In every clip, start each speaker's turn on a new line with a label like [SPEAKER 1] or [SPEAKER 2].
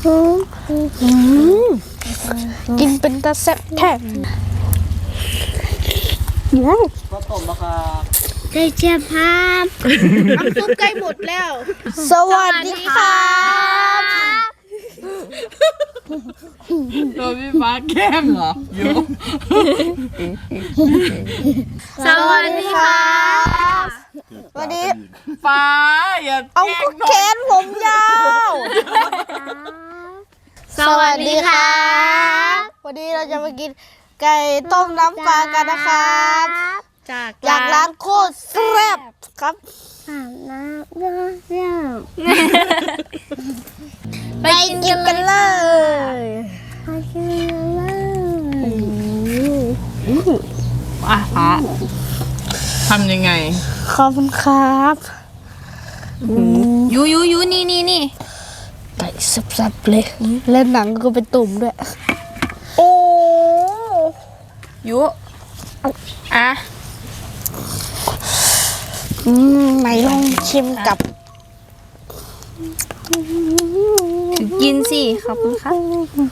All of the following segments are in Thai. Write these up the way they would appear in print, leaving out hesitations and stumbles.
[SPEAKER 1] กินเป็นตาแซ่บแท้
[SPEAKER 2] ก็ต้มราคา
[SPEAKER 3] ไก่เชียบครับน้ำซุปใกล้หมดแล้ว
[SPEAKER 1] สวัสดีครับ
[SPEAKER 4] โดนพี่ฟ้าแกล้งเหรอโย
[SPEAKER 3] สวัสดีครับ
[SPEAKER 1] วันนี้
[SPEAKER 4] ฟ้าอย่า
[SPEAKER 1] เอา
[SPEAKER 4] แกล้
[SPEAKER 1] ก็
[SPEAKER 4] ง
[SPEAKER 1] แขนผมยาว
[SPEAKER 3] สวัสดีครับ
[SPEAKER 1] วันนี้เราจะมากินไก่ต้มน้ำปลากันนะครับ จากร้านโคตรแซ่บครับ
[SPEAKER 3] น้ำเยี่ยม
[SPEAKER 1] ไปกินกันเลย
[SPEAKER 3] ไปกินเลย
[SPEAKER 4] ฟ้าทำยังไง
[SPEAKER 1] ขอบคุณครับ
[SPEAKER 3] ยูนี่
[SPEAKER 1] ไก่สับๆเลยเล่นหนังก็เป็นตุ่มด้วย โอ้
[SPEAKER 3] ยูอ่ะ
[SPEAKER 1] ไหนลองชิมกับ
[SPEAKER 3] กินสิขอบคุณครับ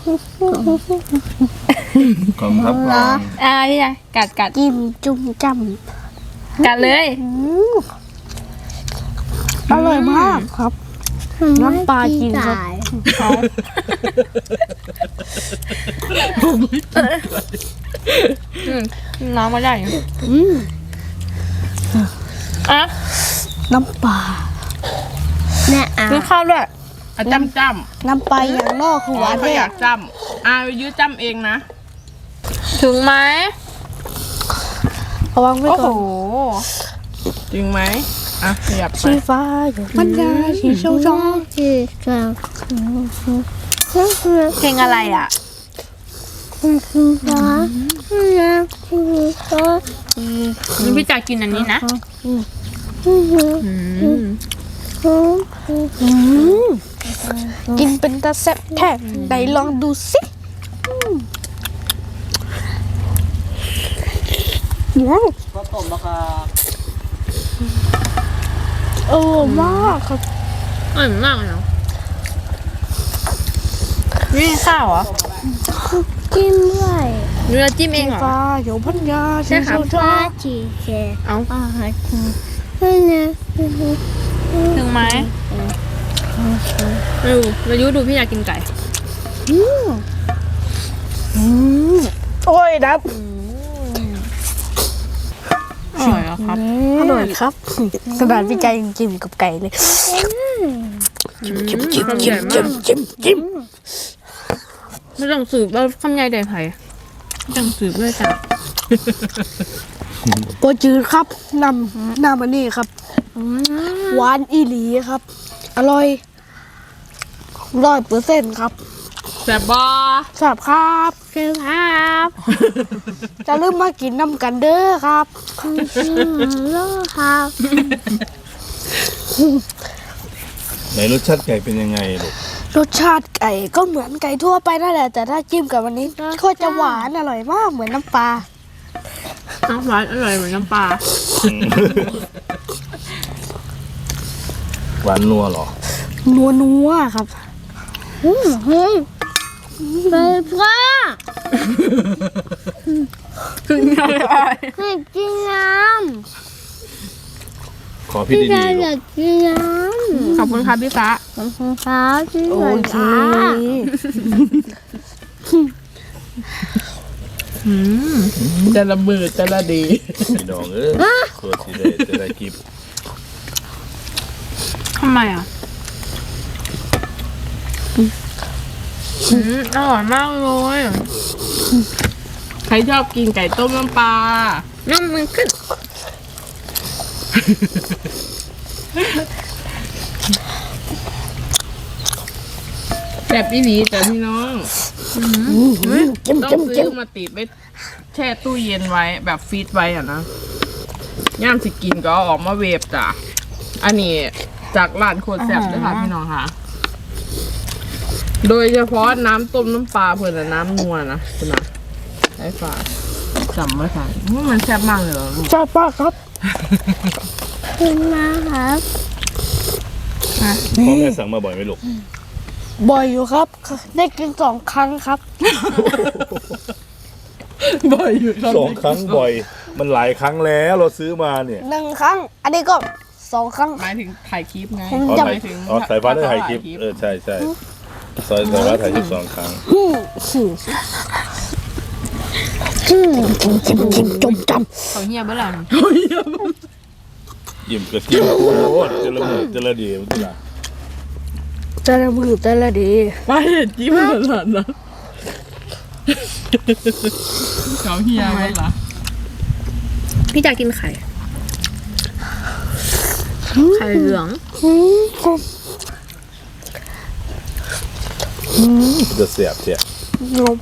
[SPEAKER 2] ขอบครับ
[SPEAKER 3] พี่ชายกัด
[SPEAKER 1] จิ้มจุ่มจ้
[SPEAKER 3] กัดเลย
[SPEAKER 1] ำอร่อยมากครับ น้ำปลาจริงครับ
[SPEAKER 3] น้องมาได้อยู่อ่ะ
[SPEAKER 1] น้ำปลา
[SPEAKER 3] กินข้าวด้วย
[SPEAKER 4] จ้ำ
[SPEAKER 1] น้ำปลาอย่างนอกคือหวาน
[SPEAKER 4] เขา
[SPEAKER 1] แท้
[SPEAKER 4] อยากจ้ำยื้อจ้ำเองนะ
[SPEAKER 3] ถึงไหม
[SPEAKER 1] ระวังไว้
[SPEAKER 4] โอ้
[SPEAKER 1] ก่
[SPEAKER 4] โห
[SPEAKER 1] อน
[SPEAKER 4] จริงไหมขยับไป
[SPEAKER 1] สีฟ้าอยู่มันยาสีชมพู
[SPEAKER 3] เพลงอะไรอ่ะพี่จ๋ากินอันนี้นะ
[SPEAKER 1] กินเป็นตาแซ่บแท้ไหนลองดูสิ
[SPEAKER 2] ก็ต้มราคา
[SPEAKER 1] มากครับ
[SPEAKER 3] อร่อยมากเลยเนาะนี่ข้าวเหรอ
[SPEAKER 1] กินด้วย
[SPEAKER 3] เนื้อจิ้มเองเหรอ
[SPEAKER 1] ฟ้าอยู่พันยา
[SPEAKER 3] ใช่ค่ะ เอาถึงไหมมายุดูพี่อยากกินไก่
[SPEAKER 1] โอ้ยดับ
[SPEAKER 4] อร่อยเหรอครับ
[SPEAKER 1] อร่อยครับกระดาษวิจัยจิ้มกับไก่เลยจิ้ม
[SPEAKER 3] ไม่ต้องสืบแล้วคำใหญ่ใดไผ่ไม่ต้องสืบด้วยจ้ะ
[SPEAKER 1] โปรจืดครับน้ำอันนี้ครับหวานอีหลีครับ อร่อย100%ครับ
[SPEAKER 4] แซ่บบอ
[SPEAKER 1] แซ่บครับ
[SPEAKER 3] เชิญครับ
[SPEAKER 1] จะลืมมากินน้ำกันเด้อครับ
[SPEAKER 3] ครับ
[SPEAKER 2] ไหนรสชาติไก่เป็นยังไงลูก
[SPEAKER 1] รสชาติไก่ก็เหมือนไก่ทั่วไปนั่นแหละ แต่ถ้าจิ้มกับวันนี้ก็จะหวานอร่อยมากเหมือนน้ำปลา
[SPEAKER 3] น้ำหวานอร่อยเหมือนน้ำปลา
[SPEAKER 2] หวานนัวเหรอ
[SPEAKER 1] นัวครับ
[SPEAKER 3] เบพ่อถึงยังไง
[SPEAKER 1] ให้กินน้
[SPEAKER 2] ขอพี่ดีๆลูก
[SPEAKER 1] กินน้
[SPEAKER 3] ขอบคุณครับพี่ฟ้า
[SPEAKER 1] ำครับโอเค
[SPEAKER 4] จะระเบิดจะระดี
[SPEAKER 2] พี่น้องตัวสีได้จะได้กิบ
[SPEAKER 3] ทำไมอ่ะอร่อยมากเลย
[SPEAKER 4] ใครชอบกินไก่ต้มน้ำปลา
[SPEAKER 3] น้ำมันขึ้น
[SPEAKER 4] แบบอีหลีแต่พี่น้องต้องซื้อมาติดไปแช่ตู้เย็นไว้แบบฟรีซไว้อะนะย่ามสิกินก็เอาออกมาเวฟจ้ะอันนี้จากร้านโคตรแซ่บเลยค่ะพี่น้องค่ะ โดยเฉพาะน้ำต้มน้ำปลาเพื่อนน่ะน้ำนัวนะคุณนะไอ้ฝาจำไว้ค่ะมันแซ่บมากเลยเหรอลูก
[SPEAKER 1] ชอบมากครับ
[SPEAKER 3] คุณมาครับ
[SPEAKER 2] พ่อแม่สั่งมาบ่อยไหมลูก
[SPEAKER 1] บ่อยอยู่ครับ ได้กิน2 ครั้งครับ
[SPEAKER 4] บ่อยอยู่ครับ
[SPEAKER 2] 2 ครั้งบ่อย มันหลายครั้งแล้วเราซื้อมาเนี่ย
[SPEAKER 1] 1 ครั้ง อันนี้ก็2 ครั้ง
[SPEAKER 4] หมายถึงถ่ายคลิปไง
[SPEAKER 1] ผม
[SPEAKER 2] อ๋อ
[SPEAKER 1] จำ
[SPEAKER 2] ถ่ายอ๋อสายฟ้าได้ถ่ายคลิปใช่ใช่สายฟ้าถ่ายคลิป2 ครั้ง
[SPEAKER 1] จำ
[SPEAKER 3] เขาเงียบเมื่อไหร่
[SPEAKER 2] ยิ้มก็กินโอ้โหเจริญมือเจริญดีมันล่ะ
[SPEAKER 1] แต่ละมือแต่ละดี
[SPEAKER 4] ไปจิ้มขนาดนั้นเขาเฮียไว้เหรอ
[SPEAKER 3] พี่จะกินไข่ ไข่เหลือง
[SPEAKER 2] จะเสียบเสียบ
[SPEAKER 1] นม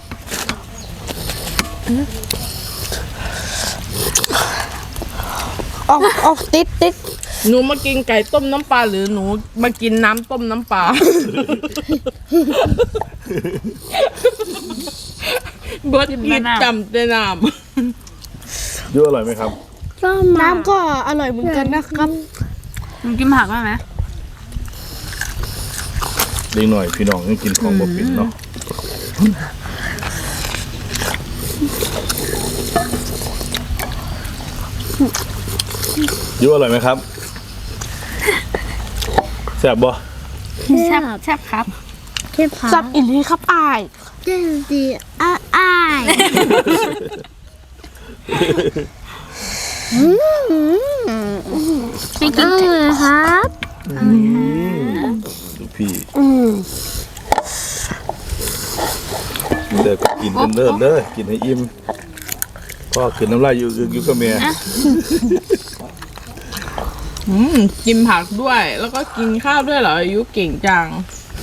[SPEAKER 1] ออกติด
[SPEAKER 4] หนูมากินไก่ต้มน้ำปลาหรือหนูมากินน้ำต้มน้ำปลาเบิร์ดกินจำแต่น้
[SPEAKER 2] เยอะอร่อยไหมครับ
[SPEAKER 1] น้ำก็อร่อยเหมือนกันนะครับ
[SPEAKER 3] มึงกินผักได้ไหม
[SPEAKER 2] เล็กหน่อยพี่น้องยังกินของบ่เป็นเนาะเยอะอร่อยไหมครับแซ่บบ่
[SPEAKER 3] แซ่บแซ่บครับ
[SPEAKER 1] สับอินนี้ครับอาย
[SPEAKER 3] ไม่กินไก่
[SPEAKER 2] ดูพี่เด้อก็กินกันเด้อกินให้อิ่มพ่อกินน้ำลายอยู่กับแม่
[SPEAKER 4] ำกินผักด้วย แล้วก็กินข้าวด้วยเหรออายุเก่งจัง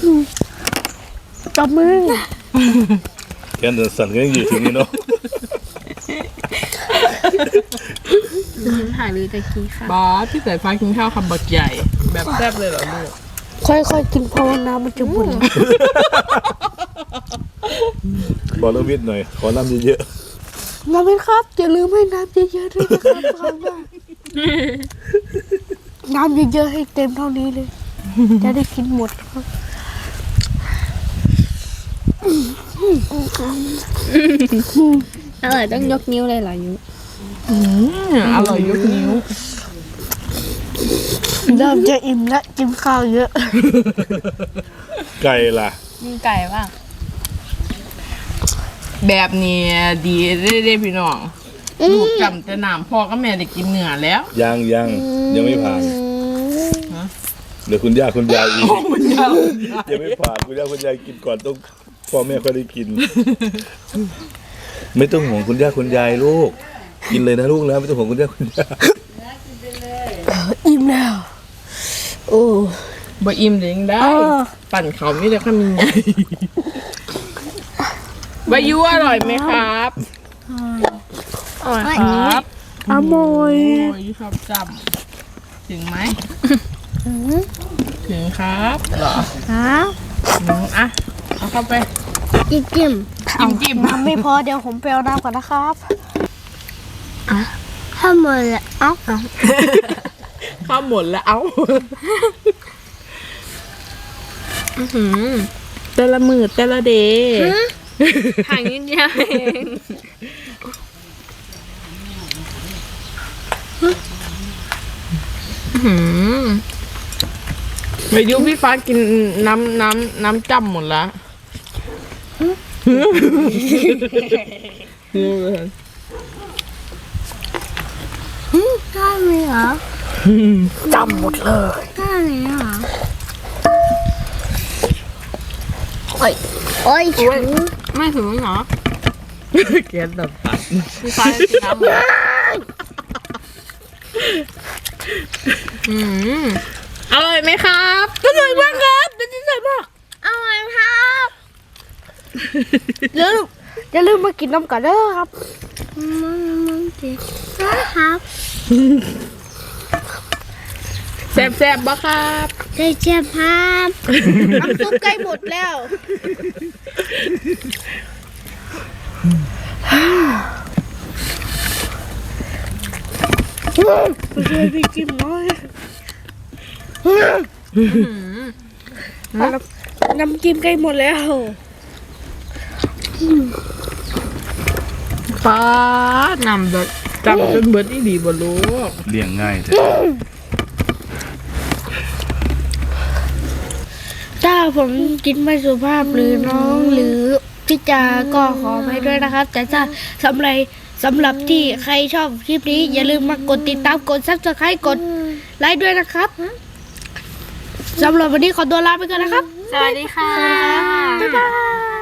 [SPEAKER 1] จับมือ
[SPEAKER 2] แกนสั่นก็ยังอยู่ถึงนี่เนาะ
[SPEAKER 3] ถ่ายหรือจะกินค่ะ
[SPEAKER 4] บอสพี่สายฟ้ากินข้าวคำบักใหญ่ แบบแซ่บเลยเหรอลูก
[SPEAKER 1] ค่อยๆกินเพราะว่าน้ำมันจะบุ่น
[SPEAKER 2] บอกเรื่องวิทย์หน่อยขอน้ำเยอะ
[SPEAKER 1] น้ำไหมครับอย่าลืมให้น้ำเยอะๆด้วยนะครับครั้งหน้าน้ำเยอะๆให้เต็มเท่านี้เลย จะได้กินหมดครับ
[SPEAKER 3] อร่อยต้องยกนิ้วเลยเหรอยุ
[SPEAKER 4] อร่อยยกนิ้ว
[SPEAKER 1] เริ่มจะอิ่มและกินข้าวเยอะ
[SPEAKER 2] ๆไก่ล่ะ
[SPEAKER 3] มีไก่บ้าง
[SPEAKER 4] แบบนี้ดีเด้พี่น้องลูกจำแต่น้ำพ่อกับแม่ได้กินเนื้อแล้ว
[SPEAKER 2] ยังไม่ผ่านเดี๋ยวคุณย่าคุณยายอีกยังไม่ผ่านคุณย่าคุณยายกินก่อนต้องพ่อแม่ค่อยได้กิน ไม่ต้องห่วงคุณย่าคุณยายลูก กินเลยนะลูกนะไม่ต้องห่วงคุณย่าคุณยาย
[SPEAKER 1] อิ่มแล้ว โอ้
[SPEAKER 4] บ่อิ่มเดี๋ยวยังได้ ปั่นเขาไม่ได้ข้ามีไงวายุอร่อยไหมครับอร่อยครับ
[SPEAKER 1] อร่อย
[SPEAKER 4] โอ้ยชอบจำถึงไหมถึงครับเหรอ
[SPEAKER 1] ครับ
[SPEAKER 4] อ่ะเอาเข้าไป
[SPEAKER 3] จิ้ม
[SPEAKER 4] จิ้ม
[SPEAKER 1] น้ำไม่พอเดี๋ยวผมไปเอาน้ำก่อนนะครับ
[SPEAKER 3] ถ้าหมดละเอ้า
[SPEAKER 4] ข้าวหมดแล้วเอ้าแต่ละมือแต่ละเดย์
[SPEAKER 3] ห่างนิดเดียวเอง
[SPEAKER 4] ไปยุพี่ฟ้ากินน้ำจำหมดแล้ว
[SPEAKER 3] ได้ไหมเหรอ
[SPEAKER 1] จำหมดเลย
[SPEAKER 3] ได้ไหมเหรอโอ้ยไม่ถึงเหรอ
[SPEAKER 4] เกลียดแบบตัด
[SPEAKER 3] พี่ฟ้ากินน้ำเลย
[SPEAKER 4] อร่อยไหมครับอร่อยมากครับเป็นที่สุดมาก
[SPEAKER 3] อร่อยครับ
[SPEAKER 1] อย่าลืมมากินน้ำกันเด้อครับ
[SPEAKER 3] มันจิครับ
[SPEAKER 4] แซ่บๆบ่ครับ
[SPEAKER 3] ได้เจ็บครับ
[SPEAKER 1] น้ำซุปใกล้หมดแล้ว ช่วยพี่กินหน่อยน้ำจิ้มใกล้หมดแล้ว
[SPEAKER 4] ป้านำแบบจับจนเบิดอีดีบ่รู้
[SPEAKER 2] เลี้ยงง่ายแต่
[SPEAKER 1] ถ้าผมกินไม่สุภาพหรือน้องหรือพี่จาก็ขอไปด้วยนะครับ แต่ถ้าสำหรับที่ใครชอบคลิปนี้ อย่าลืมมากดติดตามกด Subscribe กดไลค์ด้วยนะครับสำหรับวันนี้ขอตัวลาไปก่อนนะครับ
[SPEAKER 3] สวัสดีค่ะ
[SPEAKER 1] บ๊ายบาย